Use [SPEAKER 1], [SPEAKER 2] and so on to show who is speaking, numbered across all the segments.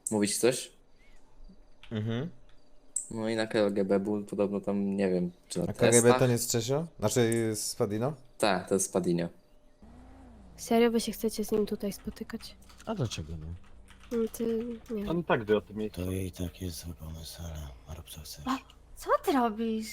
[SPEAKER 1] Mówić coś?
[SPEAKER 2] Mhm.
[SPEAKER 1] No i na KGB był podobno tam, nie wiem, czy na
[SPEAKER 2] A KGB to
[SPEAKER 1] testach?
[SPEAKER 2] nie jest Czesio? Znaczy z Padino?
[SPEAKER 1] Tak, to jest Padinio.
[SPEAKER 3] Serio wy się chcecie z nim tutaj spotykać?
[SPEAKER 4] A dlaczego nie?
[SPEAKER 3] Ty, nie wiem.
[SPEAKER 5] On tak wie o tym miejscu.
[SPEAKER 4] To i tak jest zły pomysł, ale rób co chcesz.
[SPEAKER 6] A, co ty robisz?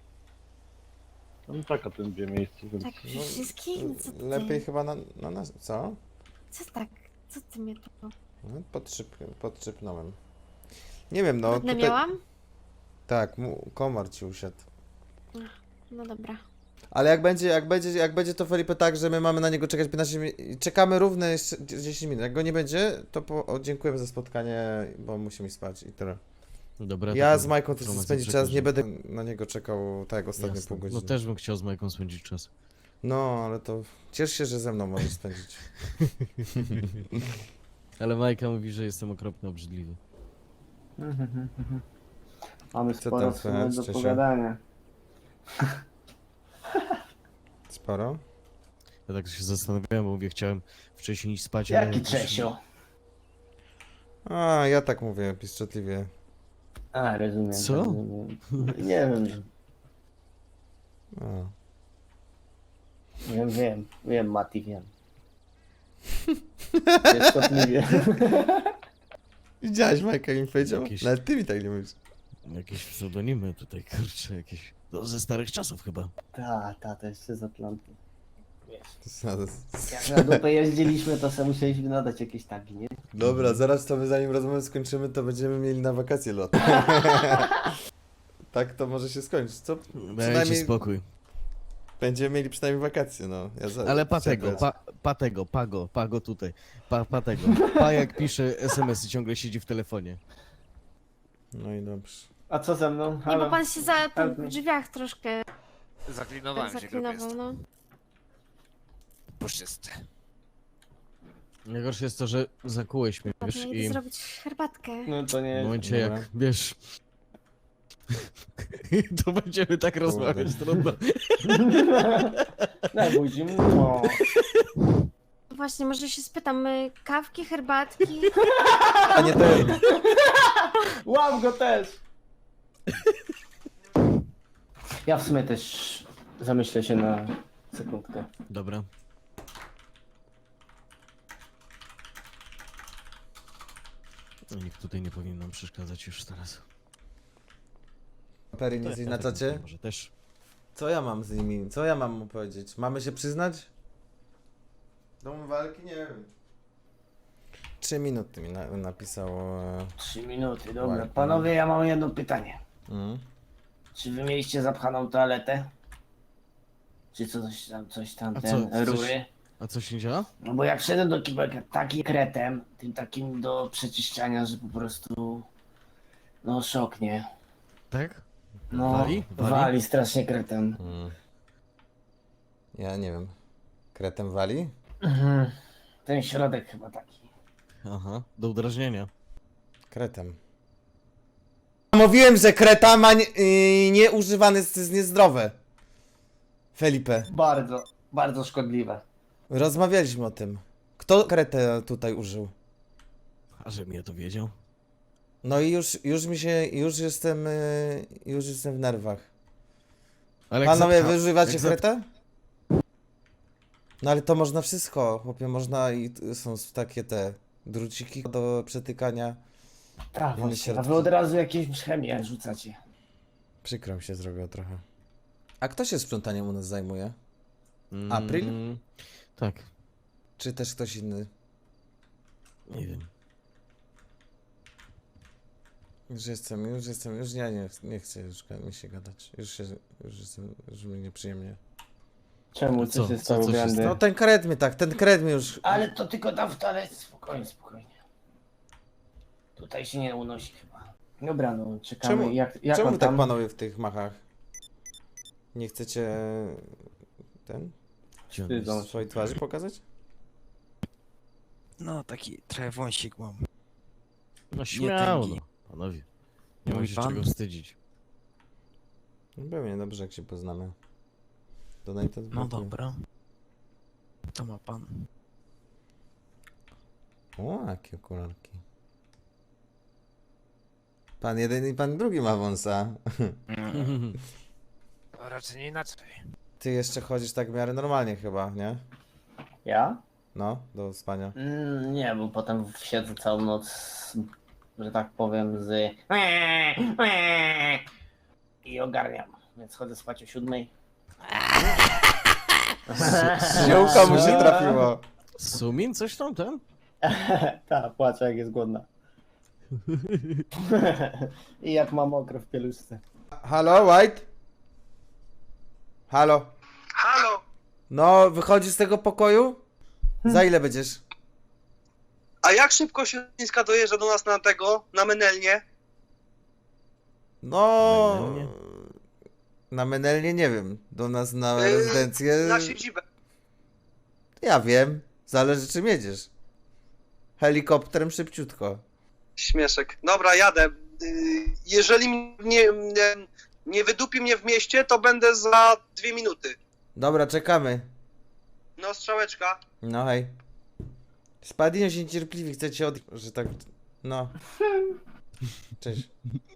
[SPEAKER 5] On tak o tym wie miejscu, więc...
[SPEAKER 6] Tak przy wszystkim? Co ty?
[SPEAKER 2] Lepiej chyba na nas. Co?
[SPEAKER 6] Co tak? Co ty mnie tu...
[SPEAKER 2] No, podszczypnąłem. Nie wiem, no
[SPEAKER 6] Trudne
[SPEAKER 2] tutaj...
[SPEAKER 6] miałam?
[SPEAKER 2] Tak, komar ci usiadł.
[SPEAKER 6] No dobra.
[SPEAKER 2] Ale jak będzie to Felipe tak, że my mamy na niego czekać 15 minut, czekamy równe jeszcze 10 minut. Jak go nie będzie, to dziękujemy za spotkanie, bo musimy spać i tyle.
[SPEAKER 4] Dobra,
[SPEAKER 2] Ja
[SPEAKER 4] to
[SPEAKER 2] z Majką też chcę
[SPEAKER 4] informację
[SPEAKER 2] spędzić czas,
[SPEAKER 4] przekażę.
[SPEAKER 2] nie będę na niego czekał tak jak ostatnie
[SPEAKER 4] Jasne.
[SPEAKER 2] pół
[SPEAKER 4] No
[SPEAKER 2] godziny.
[SPEAKER 4] też bym chciał z Majką spędzić czas.
[SPEAKER 2] No, ale to ciesz się, że ze mną możesz spędzić.
[SPEAKER 4] Ale Majka mówi, że jestem okropnie obrzydliwy.
[SPEAKER 7] Mamy
[SPEAKER 2] Co
[SPEAKER 7] sporo
[SPEAKER 2] tam
[SPEAKER 7] w sumie
[SPEAKER 2] słychać,
[SPEAKER 7] do
[SPEAKER 2] Czesio?
[SPEAKER 7] pogadania.
[SPEAKER 2] Sporo?
[SPEAKER 4] Ja tak się zastanawiałem, bo mówię, chciałem wcześniej iść spać, ale...
[SPEAKER 7] Jaki Czesio?
[SPEAKER 2] A, ja tak mówię, piszczotliwie.
[SPEAKER 7] A, rozumiem.
[SPEAKER 4] Co?
[SPEAKER 7] Rozumiem. Nie wiem,
[SPEAKER 2] A.
[SPEAKER 7] wiem, Mati, wiem. Pieszkotliwie.
[SPEAKER 2] Widziałeś, Majka mi powiedział?
[SPEAKER 4] Jakieś-
[SPEAKER 2] Nawet ty mi tak nie mówisz.
[SPEAKER 4] Jakieś pseudonimy tutaj, kurczę, jakieś... No, ze starych czasów chyba.
[SPEAKER 7] To jeszcze z Atlanty. Wiesz,
[SPEAKER 2] To
[SPEAKER 7] jak na dupę jeździliśmy, to sobie musieliśmy nadać jakieś tagi, nie?
[SPEAKER 2] Dobra, zaraz to my zanim rozmowę skończymy, to będziemy mieli na wakacje lot. Tak to może się skończyć, co?
[SPEAKER 4] Dajcie spokój.
[SPEAKER 2] Będziemy mieli przynajmniej wakacje, no.
[SPEAKER 4] Ale Patego, Pago tutaj. Patego. Pa jak pisze SMS-y, ciągle siedzi w telefonie.
[SPEAKER 2] No i dobrze.
[SPEAKER 7] A co ze mną?
[SPEAKER 6] Nie, bo
[SPEAKER 7] Halo?
[SPEAKER 6] pan się za
[SPEAKER 7] Help
[SPEAKER 6] w
[SPEAKER 7] me.
[SPEAKER 6] drzwiach troszkę
[SPEAKER 8] Zaklinowałem się, gruby
[SPEAKER 6] zaklinował,
[SPEAKER 8] jest.
[SPEAKER 6] no.
[SPEAKER 8] Puszczysty.
[SPEAKER 4] Najgorsze jest to, że zakułeś mnie, wiesz,
[SPEAKER 6] Ładnie,
[SPEAKER 4] i
[SPEAKER 6] idę zrobić herbatkę.
[SPEAKER 7] No to
[SPEAKER 4] w
[SPEAKER 7] nie.
[SPEAKER 4] momencie
[SPEAKER 2] Dobra.
[SPEAKER 4] jak, wiesz... To będziemy tak rozmawiać, trudno.
[SPEAKER 7] Daj budzi mu.
[SPEAKER 6] Właśnie, może się spytam, kawki, herbatki?
[SPEAKER 2] A nie ten.
[SPEAKER 7] Łap go też! Ja w sumie też zamyślę się na sekundkę.
[SPEAKER 4] Dobra. No, nikt tutaj nie powinien nam przeszkadzać już teraz.
[SPEAKER 2] Pery nic na czacie?
[SPEAKER 4] Może też.
[SPEAKER 2] Co ja mam z nimi? Co ja mam mu powiedzieć? Mamy się przyznać? Dom walki? Nie wiem. 3 minuty mi napisało.
[SPEAKER 7] 3 minuty, dobra.
[SPEAKER 2] Ładnie.
[SPEAKER 7] Panowie, ja mam jedno pytanie.
[SPEAKER 2] Mm.
[SPEAKER 7] Czy wy mieliście zapchaną toaletę? Czy coś tam,
[SPEAKER 4] A
[SPEAKER 7] ten,
[SPEAKER 4] co,
[SPEAKER 7] rury?
[SPEAKER 4] A co się działa?
[SPEAKER 7] No bo jak wszedłem do kibelka takim kretem, tym takim do przeczyszczania, że po prostu... No szok, nie?
[SPEAKER 4] Tak?
[SPEAKER 7] No,
[SPEAKER 4] Wali?
[SPEAKER 7] wali strasznie kretem.
[SPEAKER 2] Mm. Ja nie wiem. Kretem wali?
[SPEAKER 7] Mhm. Ten środek chyba taki.
[SPEAKER 4] Aha, do udrażnienia.
[SPEAKER 2] Kretem. Mówiłem, że kreta ma nieużywany jest niezdrowe. Felipe.
[SPEAKER 7] Bardzo, bardzo szkodliwe.
[SPEAKER 2] Rozmawialiśmy o tym. Kto kretę tutaj użył?
[SPEAKER 4] A że mnie to wiedział?
[SPEAKER 2] No i już jestem w nerwach.
[SPEAKER 4] Ale jak
[SPEAKER 2] Panowie,
[SPEAKER 4] zapcha-
[SPEAKER 2] wy używacie
[SPEAKER 4] jak
[SPEAKER 2] kretę? No ale to można wszystko, chłopie, można i są takie te druciki do przetykania.
[SPEAKER 7] Tak,
[SPEAKER 2] Wiemy
[SPEAKER 7] właśnie. A
[SPEAKER 2] środki.
[SPEAKER 7] wy od razu jakieś chemię rzucacie.
[SPEAKER 2] Przykro mi się zrobiło trochę. A kto się sprzątaniem u nas zajmuje?
[SPEAKER 4] Mm,
[SPEAKER 2] April?
[SPEAKER 4] Tak,
[SPEAKER 2] Czy też ktoś inny?
[SPEAKER 4] nie wiem.
[SPEAKER 2] Już ja nie chcę już mi się gadać. Już mi nieprzyjemnie.
[SPEAKER 7] Czemu?
[SPEAKER 4] Co?
[SPEAKER 7] Co się
[SPEAKER 4] Co
[SPEAKER 7] stało,
[SPEAKER 4] się
[SPEAKER 7] Grandy?
[SPEAKER 2] No ten kret mnie już...
[SPEAKER 7] Ale to tylko tam w toalecie. Spokojnie, spokojnie. Tutaj się nie unosi chyba. Dobra, no czekamy.
[SPEAKER 2] Czemu,
[SPEAKER 7] Jak
[SPEAKER 2] czemu
[SPEAKER 7] on
[SPEAKER 2] wy tak
[SPEAKER 7] tam?
[SPEAKER 2] panowie w tych machach? Nie chcecie...
[SPEAKER 4] Gdzie on
[SPEAKER 7] Wstydzą
[SPEAKER 4] jest?
[SPEAKER 2] swojej twarzy pokazać?
[SPEAKER 8] No, taki trochę wąsik mam.
[SPEAKER 4] No śmiało,
[SPEAKER 8] tęgi.
[SPEAKER 4] no, panowie. Nie ma
[SPEAKER 8] Mówi
[SPEAKER 4] się
[SPEAKER 8] pan?
[SPEAKER 4] czego wstydzić.
[SPEAKER 2] No pewnie, dobrze jak się poznamy. Donated
[SPEAKER 8] No
[SPEAKER 2] brakuje.
[SPEAKER 8] dobra. To ma pan.
[SPEAKER 2] O, jakie okularki. Pan jeden i pan drugi ma wąsa.
[SPEAKER 8] To raczej nie inaczej.
[SPEAKER 2] Ty jeszcze chodzisz tak w miarę normalnie chyba, nie?
[SPEAKER 7] Ja?
[SPEAKER 2] No, do spania.
[SPEAKER 7] Nie, bo potem siedzę całą noc, że tak powiem, i ogarniam. Więc chodzę spać o 7.
[SPEAKER 2] Ziółka mu się trafiło.
[SPEAKER 4] Sumin, coś tam ten?
[SPEAKER 7] Tak, płaczę jak jest głodna. I jak ma mokro w pieluszce.
[SPEAKER 2] Halo, White? Halo.
[SPEAKER 9] Halo!
[SPEAKER 2] No, wychodzisz z tego pokoju? Za ile będziesz?
[SPEAKER 9] A jak szybko się Chińska dojeżdża do nas na Menelnie?
[SPEAKER 2] No...
[SPEAKER 4] Menelnie?
[SPEAKER 2] Na Menelnie nie wiem. Do nas na
[SPEAKER 9] Yy,
[SPEAKER 2] rezydencję...
[SPEAKER 9] Na siedzibę.
[SPEAKER 2] Ja wiem. Zależy czym jedziesz. Helikopterem szybciutko.
[SPEAKER 9] Śmieszek. Dobra, jadę. Jeżeli nie wydupi mnie w mieście, to będę za 2 minuty.
[SPEAKER 2] Dobra, czekamy.
[SPEAKER 9] No, strzałeczka.
[SPEAKER 2] No hej. Spadino się niecierpliwi, chce cię że tak... No. Cześć.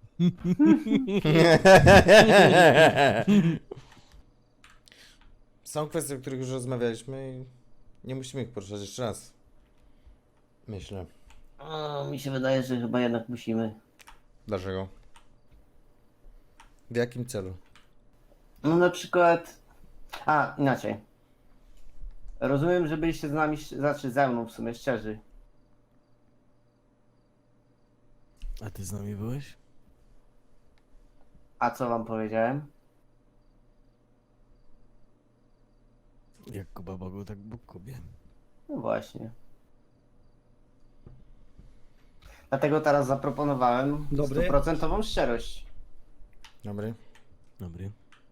[SPEAKER 2] Są kwestie, o których już rozmawialiśmy i nie musimy ich poruszać jeszcze raz. Myślę.
[SPEAKER 7] Mi się wydaje, że chyba jednak musimy.
[SPEAKER 2] Dlaczego? W jakim celu?
[SPEAKER 7] No na przykład... inaczej. Rozumiem, że byliście z nami, znaczy ze mną w sumie szczerzy.
[SPEAKER 4] A ty z nami byłeś?
[SPEAKER 7] A co wam powiedziałem?
[SPEAKER 4] Jak Kuba Bogu, tak Bóg Kubie.
[SPEAKER 7] No właśnie. Dlatego teraz zaproponowałem 100% szczerość.
[SPEAKER 2] Dobry.
[SPEAKER 4] Dobry.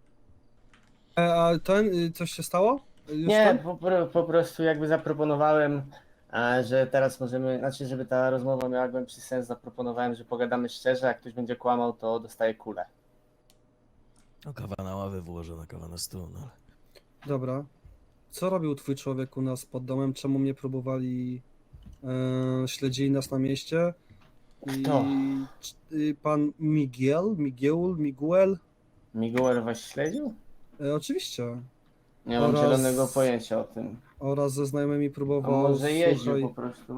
[SPEAKER 10] A coś się stało? Już
[SPEAKER 7] Nie,
[SPEAKER 10] tam?
[SPEAKER 7] po prostu jakby zaproponowałem, że teraz możemy, znaczy żeby ta rozmowa miała głębszy sens, zaproponowałem, że pogadamy szczerze, jak ktoś będzie kłamał, to dostaje kulę.
[SPEAKER 4] No kawa na ławę wyłożona, kawa na stół, no ale...
[SPEAKER 10] Dobra. Co robił twój człowiek u nas pod domem? Czemu mnie próbowali... śledzili nas na mieście?
[SPEAKER 7] Kto?
[SPEAKER 10] Pan Miguel?
[SPEAKER 7] Miguel was śledził?
[SPEAKER 10] Oczywiście.
[SPEAKER 7] Nie mam
[SPEAKER 10] Oraz-
[SPEAKER 7] zielonego pojęcia o tym.
[SPEAKER 10] Oraz ze znajomymi
[SPEAKER 7] A
[SPEAKER 10] próbował...
[SPEAKER 7] może jeździł
[SPEAKER 10] słuchaj,
[SPEAKER 7] po prostu?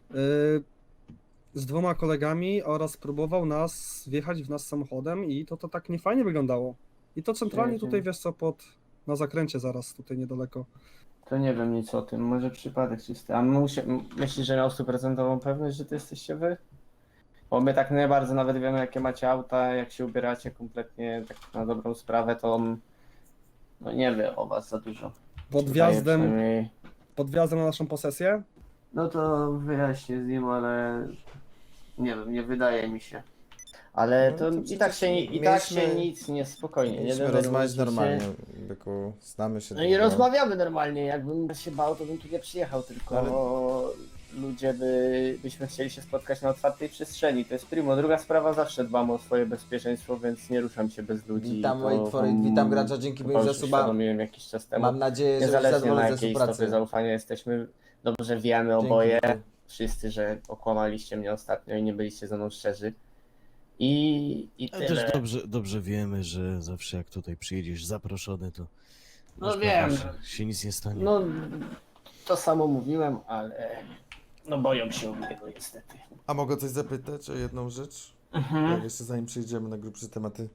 [SPEAKER 10] z 2 kolegami oraz próbował nas wjechać w nas samochodem i to tak niefajnie wyglądało. I to centralnie
[SPEAKER 7] Jezu.
[SPEAKER 10] tutaj, wiesz co, na zakręcie zaraz, tutaj niedaleko.
[SPEAKER 7] To nie wiem nic o tym, może przypadek czysty. A myślisz, że miał 100% pewność, że to jesteście wy? Bo my tak nie bardzo nawet wiemy, jakie macie auta, jak się ubieracie kompletnie tak na dobrą sprawę, to on no nie wie o was za dużo.
[SPEAKER 10] Pod
[SPEAKER 7] Wydaje
[SPEAKER 10] wjazdem,
[SPEAKER 7] przynajmniej.
[SPEAKER 10] pod wjazdem na naszą posesję?
[SPEAKER 7] No to wyjaśnię z nim, ale nie wiem, nie wydaje mi się. Ale
[SPEAKER 2] No
[SPEAKER 7] to
[SPEAKER 2] to
[SPEAKER 7] i tak się,
[SPEAKER 2] mieliśmy-
[SPEAKER 7] nic nie spokojnie. Nie
[SPEAKER 2] Mieliśmy
[SPEAKER 7] denerwujcie
[SPEAKER 2] rozmawiać
[SPEAKER 7] się.
[SPEAKER 2] normalnie, byku. Znamy się
[SPEAKER 7] No i
[SPEAKER 2] długo.
[SPEAKER 7] rozmawiamy normalnie. Jakbym się bał, to bym tu nie przyjechał, tylko ludzie byśmy chcieli się spotkać na otwartej przestrzeni. To jest primo. Druga sprawa, zawsze dbam o swoje bezpieczeństwo, więc nie ruszam się bez ludzi.
[SPEAKER 2] Witam,
[SPEAKER 7] To
[SPEAKER 2] witam gracza, dzięki
[SPEAKER 7] chyba
[SPEAKER 2] moim
[SPEAKER 7] już
[SPEAKER 2] zasuba.
[SPEAKER 7] uświadomiłem jakiś czas temu.
[SPEAKER 2] Mam nadzieję, że
[SPEAKER 7] Niezależnie na
[SPEAKER 2] zadowolony ze
[SPEAKER 7] jakiej stopie
[SPEAKER 2] współpracy.
[SPEAKER 7] zaufania jesteśmy, dobrze wiemy
[SPEAKER 2] Dzięki,
[SPEAKER 7] oboje,
[SPEAKER 2] dzięki.
[SPEAKER 7] wszyscy, że okłamaliście mnie ostatnio i nie byliście ze mną szczerzy. I
[SPEAKER 4] Ale
[SPEAKER 7] tyle.
[SPEAKER 4] też dobrze wiemy, że zawsze jak tutaj przyjedziesz zaproszony, to...
[SPEAKER 7] No
[SPEAKER 4] masz
[SPEAKER 7] wiem.
[SPEAKER 4] pewność, się nic nie stanie.
[SPEAKER 7] No, to samo mówiłem, ale no boją się mnie, no niestety.
[SPEAKER 2] A mogę coś zapytać o jedną rzecz? Jak jeszcze zanim przejdziemy na grubsze tematy.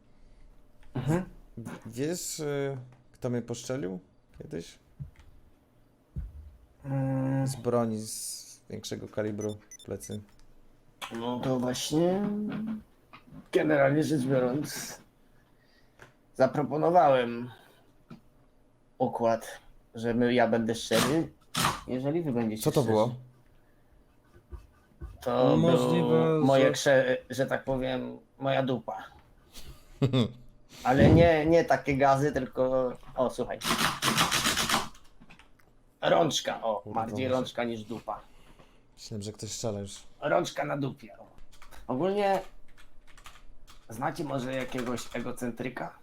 [SPEAKER 2] Wiesz, kto mnie poszczelił kiedyś? Z broni z większego kalibru w plecy.
[SPEAKER 7] No to właśnie, generalnie rzecz biorąc, zaproponowałem układ, że ja będę szczery, jeżeli wy będziecie
[SPEAKER 2] Co to
[SPEAKER 7] szczerzy.
[SPEAKER 2] było?
[SPEAKER 7] To
[SPEAKER 10] Możliwe,
[SPEAKER 7] było moje,
[SPEAKER 10] że-
[SPEAKER 7] że tak powiem, moja dupa. Ale nie takie gazy, tylko... O, słuchaj. Rączka, o,
[SPEAKER 2] Kurwa,
[SPEAKER 7] bardziej
[SPEAKER 2] może-
[SPEAKER 7] rączka niż dupa.
[SPEAKER 2] Myślałem, że ktoś strzela już.
[SPEAKER 7] Rączka na dupie. O. Ogólnie znacie może jakiegoś egocentryka?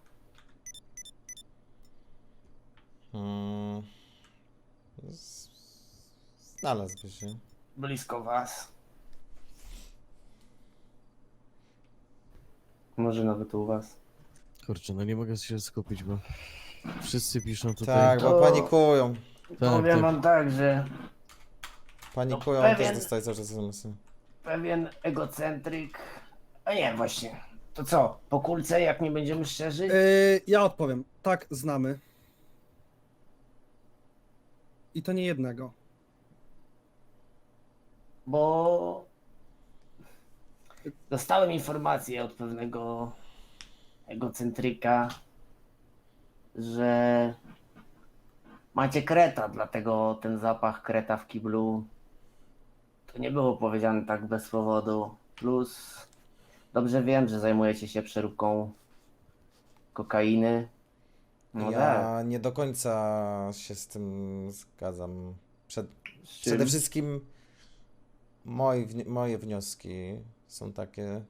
[SPEAKER 2] Znalazłby się.
[SPEAKER 7] Blisko was. Może nawet u was.
[SPEAKER 4] Kurczę, no nie mogę się skupić, bo wszyscy piszą tutaj.
[SPEAKER 2] Tak, bo
[SPEAKER 7] To-
[SPEAKER 2] panikują.
[SPEAKER 7] Powiem
[SPEAKER 4] tak.
[SPEAKER 7] wam tak, że
[SPEAKER 2] Panikują,
[SPEAKER 7] No,
[SPEAKER 2] też
[SPEAKER 7] pewien-
[SPEAKER 2] dostaję cały czas SMS-y.
[SPEAKER 7] pewien egocentryk... A nie, właśnie. To co, po kulce, jak nie będziemy szczerzy?
[SPEAKER 10] Ja odpowiem. Tak, znamy. I to nie jednego.
[SPEAKER 7] Bo dostałem informację od pewnego egocentryka, że macie kreta, dlatego ten zapach kreta w kiblu to nie było powiedziane tak bez powodu. Plus dobrze wiem, że zajmujecie się przeróbką kokainy. No tak.
[SPEAKER 2] Ja nie do końca się z tym zgadzam. Przede wszystkim moje wnioski są takie,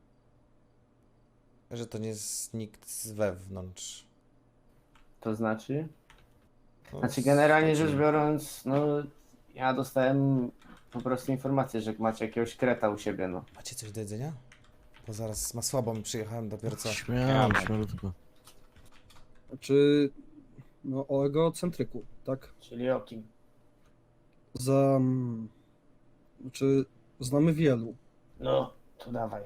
[SPEAKER 2] że to nie jest nikt z wewnątrz.
[SPEAKER 7] To znaczy?
[SPEAKER 2] No,
[SPEAKER 7] Znaczy generalnie
[SPEAKER 2] znaczy-
[SPEAKER 7] rzecz biorąc, no ja dostałem po prostu informację, że macie jakiegoś kreta u siebie, no.
[SPEAKER 2] Macie coś do jedzenia? Bo zaraz ma słabo, mi przyjechałem dopiero co.
[SPEAKER 4] Śmiałutko.
[SPEAKER 10] Czy no o egocentryku, tak?
[SPEAKER 7] Czyli o kim?
[SPEAKER 10] Czy znamy wielu?
[SPEAKER 7] No, to dawaj.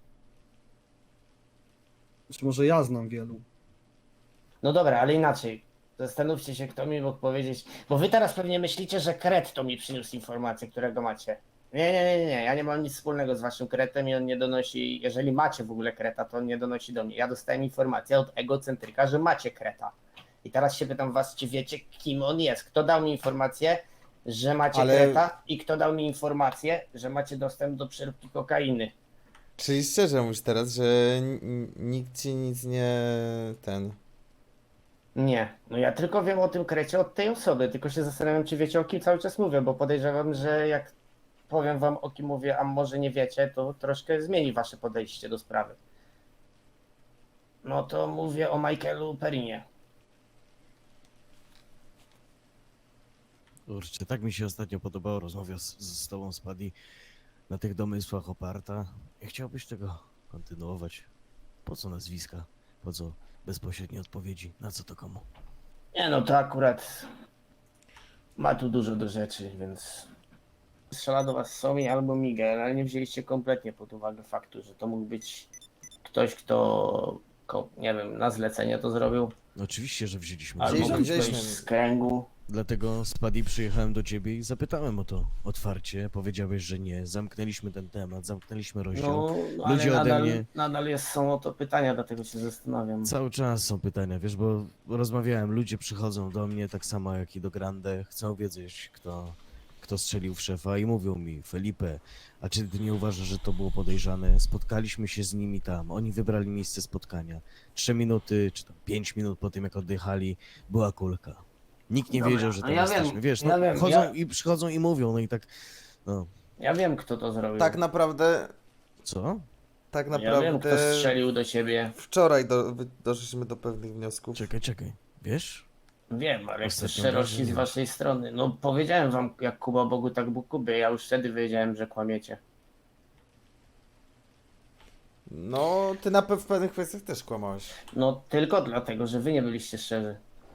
[SPEAKER 10] Czy może ja znam wielu?
[SPEAKER 7] No dobra, ale inaczej. Zastanówcie się, kto mi mógł powiedzieć. Bo wy teraz pewnie myślicie, że kret to mi przyniósł informację, którego macie. Nie. Ja nie mam nic wspólnego z waszym kretem i on nie donosi. Jeżeli macie w ogóle kreta, to on nie donosi do mnie. Ja dostałem informację od egocentryka, że macie kreta. I teraz się pytam was, czy wiecie, kim on jest? Kto dał mi informację, że macie
[SPEAKER 2] Ale-
[SPEAKER 7] kreta i kto dał mi informację, że macie dostęp do przeróbki kokainy?
[SPEAKER 2] Czyli szczerze mówisz teraz, że nikt ci nic nie...
[SPEAKER 7] Nie, no ja tylko wiem o tym krecie od tej osoby, tylko się zastanawiam, czy wiecie, o kim cały czas mówię, bo podejrzewam, że jak powiem wam, o kim mówię, a może nie wiecie, to troszkę zmieni wasze podejście do sprawy. No to mówię o Michaelu Perinie.
[SPEAKER 4] Kurczę, tak mi się ostatnio podobało rozmowa z tobą, Spadi, na tych domysłach oparta. Nie chciałbyś tego kontynuować? Po co nazwiska? Po co bezpośrednie odpowiedzi? Na co to komu?
[SPEAKER 7] Nie no, to akurat ma tu dużo do rzeczy, więc strzela do was Somi albo Miguel, ale nie wzięliście kompletnie pod uwagę faktu, że to mógł być ktoś, kto nie wiem, na zlecenie to zrobił,
[SPEAKER 4] No oczywiście, że wzięliśmy.
[SPEAKER 7] albo
[SPEAKER 2] Wzięliśmy,
[SPEAKER 7] ktoś
[SPEAKER 2] wzięliśmy.
[SPEAKER 7] z kręgu.
[SPEAKER 4] Dlatego, Spadi, przyjechałem do ciebie i zapytałem o to otwarcie. Powiedziałeś, że nie. Zamknęliśmy ten temat, zamknęliśmy rozdział.
[SPEAKER 7] No, ale
[SPEAKER 4] Ludzie ode
[SPEAKER 7] nadal,
[SPEAKER 4] mnie-
[SPEAKER 7] nadal są o to pytania, dlatego się zastanawiam.
[SPEAKER 4] Cały czas są pytania, wiesz, bo rozmawiałem, ludzie przychodzą do mnie, tak samo jak i do Grande, chcą wiedzieć, kto strzelił w szefa i mówią mi, Felipe, a czy ty nie uważasz, że to było podejrzane? Spotkaliśmy się z nimi tam, oni wybrali miejsce spotkania. 3 minuty, czy tam 5 minut po tym, jak oddychali, była kulka. Nikt nie
[SPEAKER 7] Dobra,
[SPEAKER 4] wiedział, że
[SPEAKER 7] no
[SPEAKER 4] tam
[SPEAKER 7] ja
[SPEAKER 4] jesteśmy,
[SPEAKER 7] wiem,
[SPEAKER 4] wiesz,
[SPEAKER 7] ja
[SPEAKER 4] no
[SPEAKER 7] wiem,
[SPEAKER 4] chodzą i przychodzą i mówią, no i tak, no,
[SPEAKER 7] Ja wiem, kto to zrobił.
[SPEAKER 2] Tak naprawdę,
[SPEAKER 4] co?
[SPEAKER 2] tak
[SPEAKER 7] Ja
[SPEAKER 2] naprawdę...
[SPEAKER 7] wiem, kto strzelił do siebie.
[SPEAKER 2] Wczoraj doszliśmy do pewnych wniosków.
[SPEAKER 4] Czekaj, wiesz?
[SPEAKER 7] Wiem, ale to
[SPEAKER 4] Ostatnio
[SPEAKER 7] szczerości z
[SPEAKER 4] wrażenie.
[SPEAKER 7] waszej strony. No powiedziałem wam, jak Kuba Bogu, tak Bóg Kubie. Ja już wtedy wiedziałem, że kłamiecie.
[SPEAKER 2] No, ty w pewnych kwestiach też kłamałeś.
[SPEAKER 7] No tylko dlatego, że wy nie byliście szczerzy.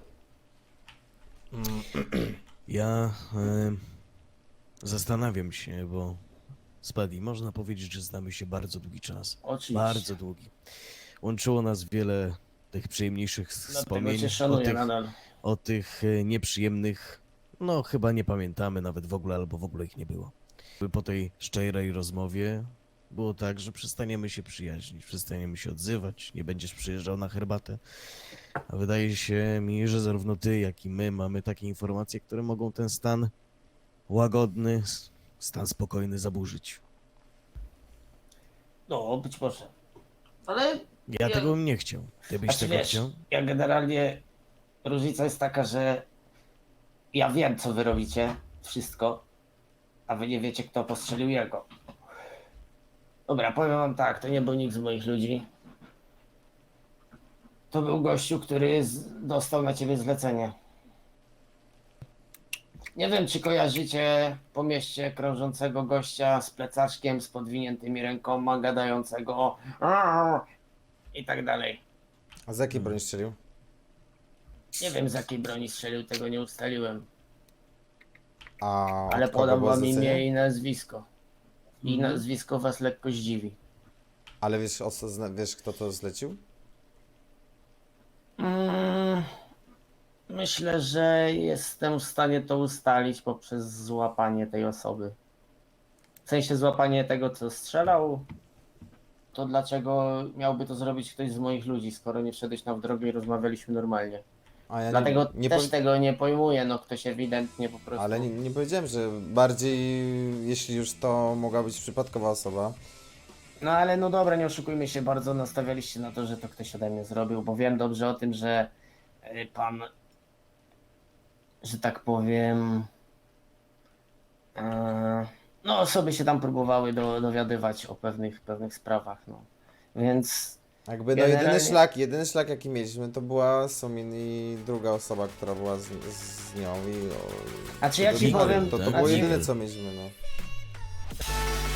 [SPEAKER 4] Ja zastanawiam się, bo Spadi, można powiedzieć, że znamy się bardzo długi czas.
[SPEAKER 7] Oczywiście.
[SPEAKER 4] Bardzo długi. Łączyło nas wiele tych przyjemniejszych
[SPEAKER 7] Dlatego
[SPEAKER 4] wspomnień,
[SPEAKER 7] cię
[SPEAKER 4] o
[SPEAKER 7] szanuję
[SPEAKER 4] tych,
[SPEAKER 7] nadal.
[SPEAKER 4] o tych nieprzyjemnych, no chyba nie pamiętamy nawet w ogóle, albo w ogóle ich nie było. Po tej szczerej rozmowie było tak, że przestaniemy się przyjaźnić, przestaniemy się odzywać, nie będziesz przyjeżdżał na herbatę. A wydaje się mi, że zarówno ty, jak i my mamy takie informacje, które mogą ten stan łagodny, stan spokojny zaburzyć.
[SPEAKER 7] No, być może. Ale
[SPEAKER 4] Ja tego bym nie chciał. Ty byś
[SPEAKER 7] Znaczy,
[SPEAKER 4] tego
[SPEAKER 7] wiesz,
[SPEAKER 4] chciał?
[SPEAKER 7] ja generalnie różnica jest taka, że ja wiem, co wy robicie, wszystko, a wy nie wiecie, kto postrzelił jego. Dobra, powiem wam tak, to nie był nikt z moich ludzi. To był gościu, który dostał na ciebie zlecenie. Nie wiem, czy kojarzycie po mieście krążącego gościa z plecaczkiem, z podwiniętymi rękoma, gadającego i tak dalej.
[SPEAKER 2] A z jakiej broni strzelił?
[SPEAKER 7] Nie wiem z jakiej broni strzelił, tego nie ustaliłem.
[SPEAKER 2] A
[SPEAKER 7] Ale
[SPEAKER 2] od kogo
[SPEAKER 7] podam
[SPEAKER 2] było
[SPEAKER 7] wam
[SPEAKER 2] zlecenie?
[SPEAKER 7] imię i nazwisko. I nazwisko was lekko zdziwi.
[SPEAKER 2] Ale wiesz, wiesz kto to zlecił?
[SPEAKER 7] Myślę, że jestem w stanie to ustalić poprzez złapanie tej osoby. W sensie złapanie tego, co strzelał. To dlaczego miałby to zrobić ktoś z moich ludzi, skoro nie wszedłeś nam w drogę i rozmawialiśmy normalnie?
[SPEAKER 2] A ja
[SPEAKER 7] Dlatego
[SPEAKER 2] nie
[SPEAKER 7] też
[SPEAKER 2] powi-
[SPEAKER 7] tego nie pojmuję, no ktoś ewidentnie po prostu...
[SPEAKER 2] Ale nie powiedziałem, że bardziej, jeśli już to mogła być przypadkowa osoba.
[SPEAKER 7] No ale no dobra, nie oszukujmy się, bardzo nastawialiście na to, że to ktoś ode mnie zrobił, bo wiem dobrze o tym, że pan, że tak powiem, no osoby się tam próbowały dowiadywać o pewnych sprawach, no. Więc
[SPEAKER 2] Jakby no jedyny szlak jaki mieliśmy to była Sumin i druga osoba, która była z nią i...
[SPEAKER 7] A czy ja ci powiem-
[SPEAKER 2] To
[SPEAKER 7] a
[SPEAKER 2] było
[SPEAKER 7] ci-
[SPEAKER 2] jedyne co mieliśmy, no.